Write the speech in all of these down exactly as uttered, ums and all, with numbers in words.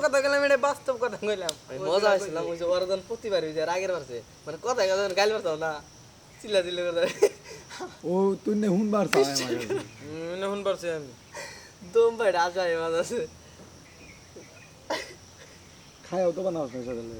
কথা গেলাম এটা বাস্তব কথা কইলাম মজা হয়েছিলাম ওই যে ওরজন প্রতিবার ওই যে রাগের পারছে মানে কথা কথা গাইল পারতাম না চিল্লা চিল্লা করে ও তুই নে হুন বার চাই আমার মনে হুন পারছি আমি দম ভাই রাজা এবার আছে খায়ও তো বানাস না সকালে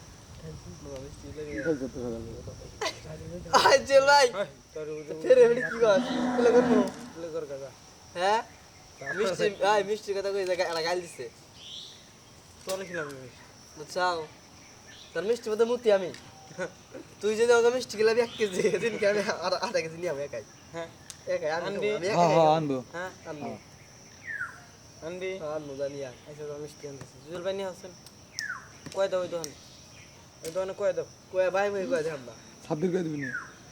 খাইছো তো সকালে আয় চল ভাই তোর ফেরে ফেরে কি কর বলে করবো উজলে কর কাকা হ্যাঁ মিষ্টি আয় মিষ্টি কথা কই জায়গা একটা গাইল দিছে তোর খিলাম বুঝছাও তোর মিষ্টি মধ্যে মুতি আমি তুই যদি আমাকে মিষ্টি গেলাবি এক কেজি দিনকে আমি আর আধা কেজি নিয়ে আমি একাই হ্যাঁ একাই আমি আনবি? খাবো, আমি হ্যাঁ একাই হ্যাঁ খাবো। আনবো হ্যাঁ আনবো আনবি আনবো জানি আর আচ্ছা তো মিষ্টি আনতেছি জুয়েল ভাই নিয়ে আসছেন কয় দাও ওই দোকানে ওই দোকানে কয় দাও কয়ে ভাই ভাই কয়ে দেখাম না ছাব্বিশ করে দিবি না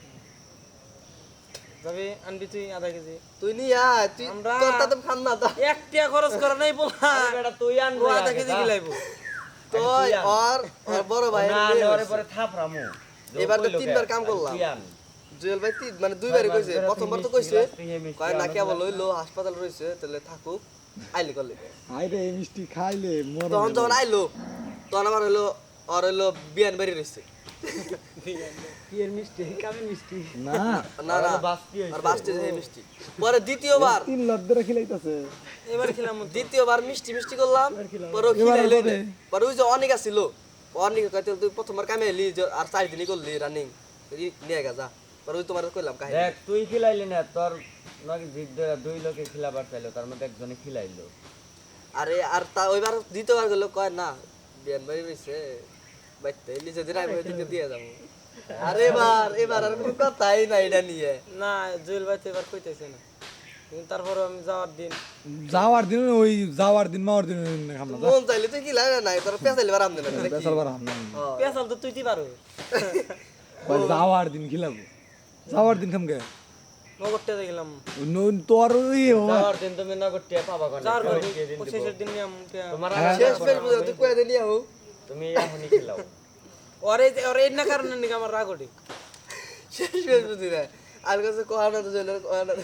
যাবি আনবি তুই আধা কেজি তুই নিয়ে আয় তুই আমরা- তোর তাতে খাম না তো এক টাকা খরচ করা নাই বলা বেটা তুই আনবি ও আধা কেজি গিলাইবো তুই আর আর বড় ভাই না নেওয়ারে পরে থাপরামু এবার তো তিনবার কাম করলাম। জুয়েল ভাই তিন মানে দুইবারই কইছে প্রথমবার তো কইছে কয় না কেবল হইলো হাসপাতাল রইছে তাহলে থাকুক আইলে করলে আইরে এই মিষ্টি খাইলে মর তখন যখন আইলো তখন আমার হইলো আর হইলো বিয়ান বাড়ি রইছে কি এর মিষ্টি কামে মিষ্টি না না না বাস্তি আর বাস্তে যে মিষ্টি পরে দ্বিতীয়বার তিন লাখ ধরে খিলাইতাছে এবার খেলাম দ্বিতীয়বার মিষ্টি মিষ্টি করলাম পরে ও এবার খিলাইলো হবে। পরে ওই যে অনেক আসছিল অনেক কইতে তুই প্রথমবার কামে এলি যে আর চার দিনই করলি রানিং নিয়ে গা যা পরে ওই তোমার কইলাম কাহিনী দেখ তুই খিলাইলি না তোর নাকি জিদ ধরে দুই লোকে খিলাবার চাইলো তার মধ্যে একজনে খিলাইলো আরে আর তা ওইবার দ্বিতীয়বার গেল কয় না বিয়ান বাড়ি রইছে বাইতে এলি যদি রাই ভাই দিকে দিয়ে যাবো আরে এবার এবার আর কোনো কথাই না এটা নিয়ে না জুয়েল ভাই তো এবার কইতেছে না কিন্তু তারপরে আমি যাওয়ার দিন যাওয়ার দিন ওই যাওয়ার দিন মাওয়ার দিন খাম না মন চাইলে তুই কি লাগে নাই তোর পেছাইলে বারাম দিলে না বেসাল বার হাম না পেছাল তো তুই দি পারো ওই যাওয়ার দিন খিলাবো যাওয়ার দিন খাম গে নগরটা দেখলাম ন- তোর ওই ও- যাওয়ার দিন তুমি নগদ টিয়া পাবা কোন যাওয়ার পর কে দিন দিব শেষের দিন নিয়ে আমাকে তোমার হ্যাঁ। আগে শেষ পেজ বুঝে তুই কয়ে দিলি আও তুমি এখনই খিলাও ওরে ওরে এই না কারণে নাকি আমার রাগ ওঠে শেষ পেজ বুঝি না আর কাছে কোয়া না তো জেলে কোয়া না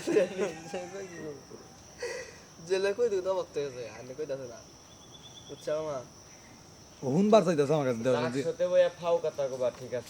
জেলে কই দিও তো বক্তে গেছে আনে কই দাছে না বুঝছো মা হুন বার চাইতাছে আমার কাছে দেওয়ার তার জন্য। সাথে বইয়া ফাও কথা কবা ঠিক আছে